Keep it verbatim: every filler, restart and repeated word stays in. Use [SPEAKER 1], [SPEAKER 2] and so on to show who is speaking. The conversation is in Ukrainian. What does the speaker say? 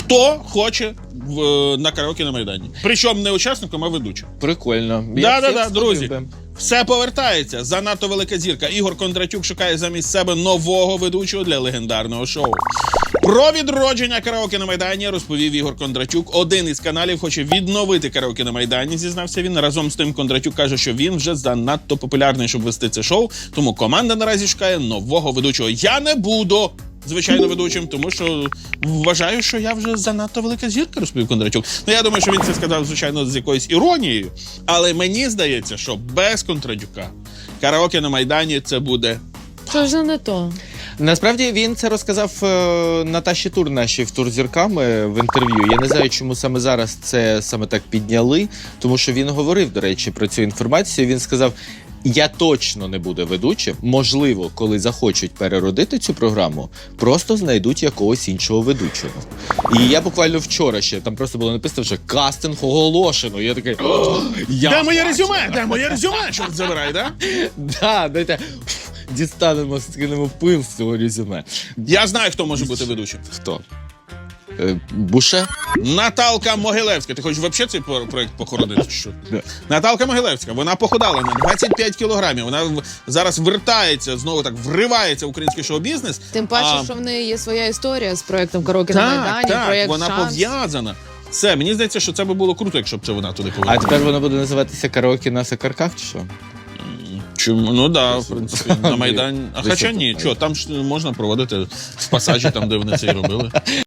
[SPEAKER 1] Хто хоче в, на караоке на Майдані? Причому не учасником, а ведучим.
[SPEAKER 2] Прикольно.
[SPEAKER 1] Да-да-да, друзі. Все повертається. Занадто велика зірка. Ігор Кондратюк шукає замість себе нового ведучого для легендарного шоу. Про відродження караоке на Майдані розповів Ігор Кондратюк. Один із каналів хоче відновити караоке на Майдані, зізнався він. Разом з тим Кондратюк каже, що він вже занадто популярний, щоб вести це шоу. Тому команда наразі шукає нового ведучого. Я не буду, звичайно, ведучим, тому що вважаю, що я вже занадто велика зірка, розповів Кондратюк. Ну, я думаю, що він це сказав, звичайно, з якоюсь іронією. Але мені здається, що без Кондратюка караоке на Майдані це буде...
[SPEAKER 3] Це вже не то.
[SPEAKER 2] Насправді він це розказав е, Наташі Тур, нашій в «Тур зірками» в інтерв'ю. Я не знаю, чому саме зараз це саме так підняли, тому що він говорив, до речі, про цю інформацію. Він сказав, я точно не буду ведучим. Можливо, коли захочуть переродити цю програму, просто знайдуть якогось іншого ведучого. І я буквально вчора ще, там просто було написано вже «кастинг оголошено». І я такий, я
[SPEAKER 1] Де моє
[SPEAKER 2] бачу.
[SPEAKER 1] резюме? Де моє резюме? Чорт забирай, да?
[SPEAKER 2] Да, дайте, дістанемо, скинемо пил з цього резюме.
[SPEAKER 1] Я знаю, хто може бути ведучим.
[SPEAKER 2] Хто? Е, Буше?
[SPEAKER 1] Наталка Могилевська. Ти хочеш взагалі цей про- проект похоронити? чи Що?
[SPEAKER 2] Да.
[SPEAKER 1] Наталка Могилевська. Вона похудала на двадцять п'ять кілограмів. Вона в- зараз вертається, знову так вривається в український шоу-бізнес.
[SPEAKER 3] Тим паче,
[SPEAKER 1] А,
[SPEAKER 3] що в неї є своя історія з проєктом «Караоке на
[SPEAKER 1] Так,
[SPEAKER 3] Майдані»,
[SPEAKER 1] так,
[SPEAKER 3] проєкт
[SPEAKER 1] вона
[SPEAKER 3] «Шанс».
[SPEAKER 1] пов'язана. Все, мені здається, що це би було круто, якщо б це вона туди
[SPEAKER 2] А
[SPEAKER 1] повернула.
[SPEAKER 2] тепер воно буде називатися «Караоке на Сакарках» чи що?
[SPEAKER 1] Чому? Ну да, в принципі, на Майдані. А
[SPEAKER 2] Високо.
[SPEAKER 1] хоча ні, що, там ж можна проводити в пасажі, там, де вони це і робили.